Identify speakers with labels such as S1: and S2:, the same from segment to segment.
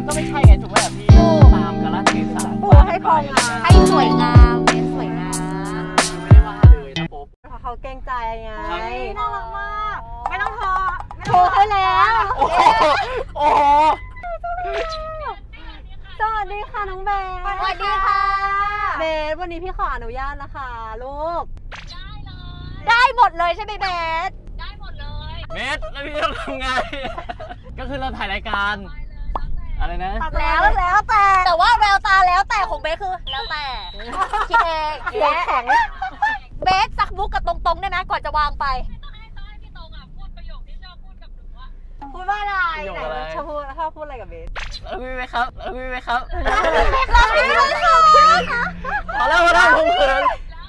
S1: ก็ไม่ใช่ไงถูกไหมพี่ตามกาลเทศะ
S2: ปูให้พองาม
S3: ให้สวยงามเป็นสวยงาม
S1: ไม่ได้ว่าเลยนะปุ๊บ
S2: เพราะเขาเกรงใจไง
S3: น่ารักมากไม่ต้องโทร
S2: โทรให้แล้ว
S1: โอ้โหโอ้โห
S2: สวัสดีค่ะน้องเบส
S3: สวัสดีค่ะ
S2: เบสวันนี้พี่ขออนุญาตนะคะลูก
S3: ได้หมดเลยใช่ไหมเบส
S1: เมสแล้วพี่ต้องทำไงก็คือเราถ่ายรายการอะไรนะ
S3: แล้วแต่ว่าแววตาแล้วแต่ของเบสคือแล้วแต่คิดเอง
S2: เสียงแข็ง
S3: เบสสักมุกกับตรงๆได้ไหมก่อนจะวางไป
S2: พูดว่าอะไร
S1: ประโยค
S2: ไหน
S1: อะไร
S2: ชอบพูดอะไรกับเบส
S1: แล้วพี่ไหมครับแล้วพี่ไหมครับ
S3: เราไม่รู้ค่ะ
S1: พอแล้วผมเขิน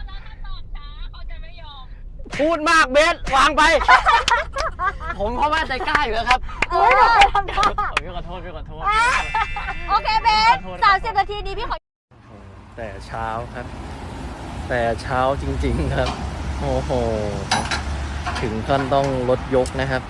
S1: พูดมากเบสวางไป ผมเพราะว่าใจกล้าอยู่แล้วครับ
S2: ไปทำท่า
S1: พี่ขอโทษ
S3: โอเคเบส30 นาทีนี้พี่ขอ
S4: แต่เช้าครับ แต่เช้าจริงๆครับ โอ้โห ถึงขั้นต้องรถยกนะครับ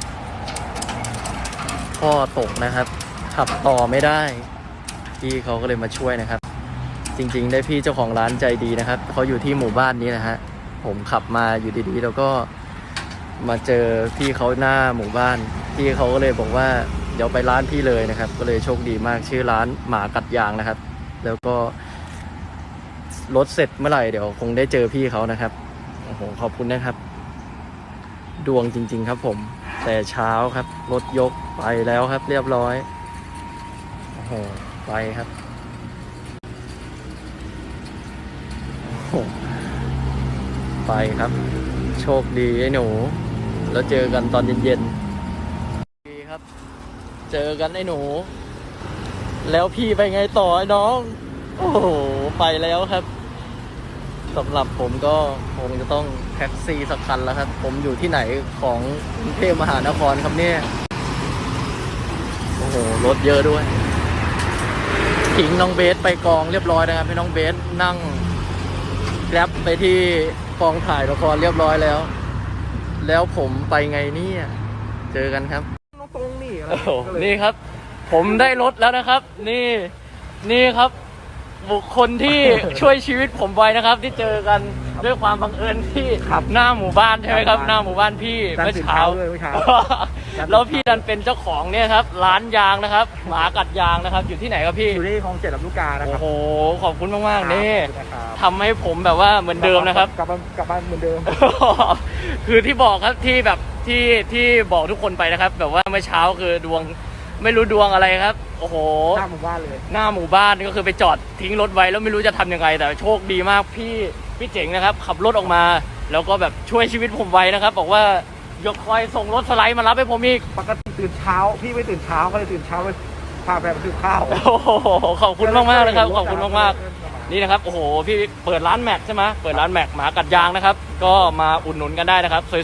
S4: พ่อตกนะครับ ขับต่อไม่ได้ พี่เขาก็เลยมาช่วยนะครับ จริงๆ ได้พี่เจ้าของร้านใจดีนะครับเขาอยู่ที่หมู่บ้านนี้นะฮะผมขับมาอยู่ดีๆแล้วก็มาเจอพี่เขาหน้าหมู่บ้านพี่เขาก็เลยบอกว่าเดี๋ยวไปร้านพี่เลยนะครับ ก็เลยโชคดีมากชื่อร้านหมากัดยางนะครับ แล้วก็รถเสร็จเมื่อไหร่เดี๋ยวคงได้เจอพี่เขานะครับโอ้โหขอบคุณนะครับ ดวงจริงๆครับผมแต่เช้าครับรถยกไปแล้วครับ เรียบร้อยโอ้โหไปครับโอ้โหไปครับ โชคดีไอ้หนูแล้วเจอกันตอนเย็นๆดีครับ เจอกันไอ้หนู แล้วพี่ไปไงต่อไอ้น้อง โอ้โหไปแล้วครับสำหรับผมก็คงจะต้องแท็กซี่สักคันแล้วครับ ผมอยู่ที่ไหนของกรุงเทพมหานครครับเนี่ยโอ้โหรถเยอะด้วยทิ้งน้องเบสไปกองเรียบร้อยนะครับให้น้องเบสนั่งแกร็บไปที่กองถ่ายละครเรียบร้อยแล้ว แล้วผมไปไงเนี่ยเจอกันครับ
S1: ตรงนี่อะไร
S4: โอ้โหนี่ครับ ผมได้รถแล้วนะครับ นี่ครับ บุคคลที่ ช่วยชีวิตผมไว้นะครับ ที่เจอกันด้วยความบังเอิญที่หน้าหมู่บ้านใช่ไหมครับ หน้าหมู่บ้านพี่เมื่อเช้า แล้วพี่ดันเป็นเจ้าของเนี่ยครับ ร้านยางนะครับ หมากัดยางนะครับ อยู่ที่ไหนครับพี่
S1: อยู่ที่คลอง7 ลำลูกกานะค
S4: โอ้
S1: รับ
S4: โหขอบคุณมากๆนี่
S1: นะครับ
S4: ทำให้ผมแบบว่าเหมือนเดิมนะครับ
S1: กลับมาเหมือนเดิม
S4: คือที่บอกครับที่แบบที่บอกทุกคนไปนะครับ แบบว่าเมื่อเช้าคือดวงไม่รู้ดวงอะไรครับ โอ้โห
S1: หน้าหมู่บ้านเลย
S4: หน้าหมู่บ้านก็คือไปจอดทิ้งรถไว้แล้วไม่รู้จะทำยังไงแต่โชคดีมากพี่เจ๋งนะครับ ขับรถออกมา แล้วก็แบบช่วยชีวิตผมไว้นะครับ บอกว่ายกคอยส่งรถสไลด์มารับให้ผมอีก
S1: ปกติตื่นเช้าพี่ไม่ตื่นเช้าก็เลยตื่นเช้าไปพาแฟนไปซื้อข้าว
S4: โอ้โหขอบคุณมากๆเลยครับขอบคุณมากๆนี่นะครับโอ้โหพี่เปิดร้านแม็กใช่ไหมเปิดร้านแม็กหมากัดยางนะครับ ก็มาอุดหนุนกันได้นะครับ